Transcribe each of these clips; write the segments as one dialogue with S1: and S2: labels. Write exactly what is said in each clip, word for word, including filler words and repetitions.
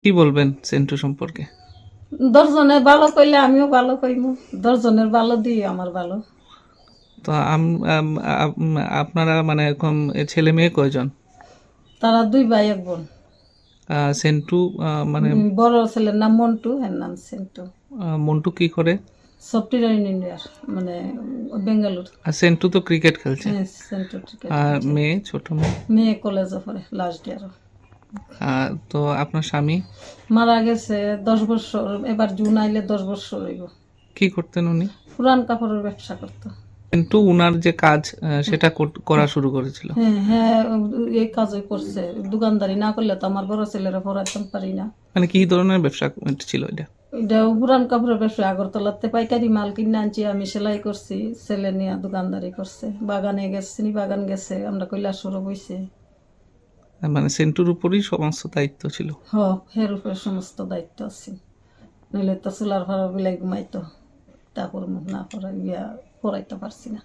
S1: কি বলবেন সেন্টু সম্পর্কে?
S2: দশজনের ভালো কইলে আমিও ভালো কইমু, দশজনের ভালো দিয়ে আমার ভালো।
S1: তো আম- আম- আম- আপনারা মানে এখন এ ছেলে মেয়ে কয়জন?
S2: তারা দুই ভাই এক বোন।
S1: আহ, সেন্টু আহ, মানে
S2: উম, বড় ছেলের নাম মন্টু, এর নাম সেন্টু।
S1: আহ, মন্টু কি করে?
S2: সফটওয়্যার ইঞ্জিনিয়ার, মানে বেঙ্গালুর।
S1: আর সেন্টু তো ক্রিকেট খেলছে।
S2: হ্যাঁ, সেন্টু ক্রিকেট
S1: আর
S2: খেলছে।
S1: মেয়ে, ছোট মেয়ে?
S2: মেয়ে কলেজে পড়ে, লাস্ট ইয়ার।
S1: আহ, তো আপনার স্বামী
S2: মারা গেছে দশ বছর, এবার জুন আইলে দশ বছর হইব।
S1: কি করতেন উনি?
S2: পুরান কাপড়ের ব্যবসা করতো।
S1: কিন্তু উনার যে কাজ আহ, সেটা কর- করা শুরু করেছিল।
S2: হ্যাঁ হ্যাঁ, এই কাজই করছে। দোকানদারি না করলে তো আমার বড় ছেলেরা পড়াইতে পারি না।
S1: মানে কি ধরনের ব্যবসা ছিল এটা?
S2: এটা পুরান কাপড়ের ব্যবসা। আগরতলাতে পাইকারি মাল কিনে আনছি, আমি সেলাই করছি, ছেলে নিয়ে দোকানদারি করছে। বাগানে গেছে, বাগান গেছে, আমরা কৈলাসরও বইছে।
S1: মানে সেন্টুর উপরই সমস্ত দায়িত্ব ছিল।
S2: হ, হের উপরে সমস্ত দায়িত্ব আছে। নইলে তো চুলার ভাড়া বিলাই ঘুমাইতো। তারপর মুখ না পড়াই গিয়া পড়াইতে পারছি না।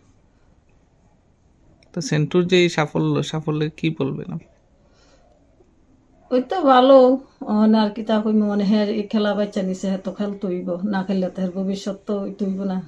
S1: তো সেন্টুর যে এই সাফল্য সাফল্যে কি বলবেন আপনি?
S2: ওই তো ভালো। মানে আর কি তা কইম, মানে হ্যাঁ এই খেলা বাচ্চা নিছে, হ্যাঁ তো খেলতে হইব, না খেললে তো হের ভবিষ্যৎ তো হইতে হইব না।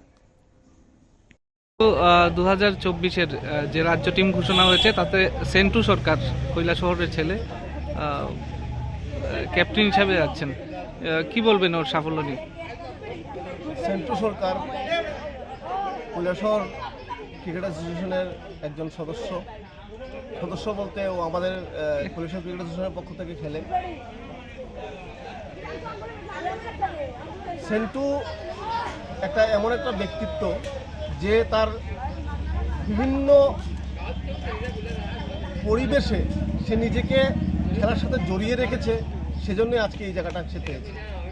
S1: তো দু হাজার চব্বিশের যে রাজ্য টিম ঘোষণা হয়েছে তাতে সেন্টু সরকার কৈলাসহরের ছেলে আহ, ক্যাপ্টেন হিসাবে যাচ্ছেন। আহ, কি বলবেন ওর সাফল্য নিয়ে?
S3: সেন্টু সরকার কৈলাসহর ক্রিকেট অ্যাসোসিয়েশনের একজন সদস্য সদস্য বলতে ও আমাদের আহ, কৈলাসহর ক্রিকেট অ্যাসোসিয়েশনের পক্ষ থেকে খেলে। সেন্টু একটা এমন একটা ব্যক্তিত্ব যে তার বিভিন্ন পরিবেশে সে নিজেকে খেলার সাথে জড়িয়ে রেখেছে, সেজন্যই আজকে এই জায়গাটা সে পেয়েছে।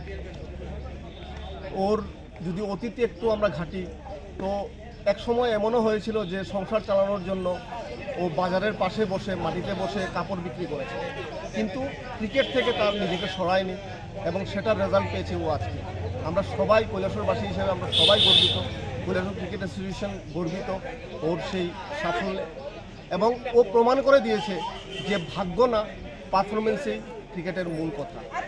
S3: ওর যদি অতীতে একটু আমরা ঘাঁটি, তো এক সময় এমনও হয়েছিল যে সংসার চালানোর জন্য ও বাজারের পাশে বসে মাটিতে বসে কাপড় বিক্রি করেছে, কিন্তু ক্রিকেট থেকে তার নিজেকে সরায়নি এবং সেটার রেজাল্ট পেয়েছে ও আজকে। আমরা সবাই কৈলাসহরবাসী হিসেবে আমরা সবাই গর্বিত, কৈলাসহর ক্রিকেট অ্যাসোসিয়েশন গর্বিত ওর সেই সাফল্যে। এবং ও প্রমাণ করে দিয়েছে যে ভাগ্য না, পারফরমেন্সেই ক্রিকেটের মূল কথা।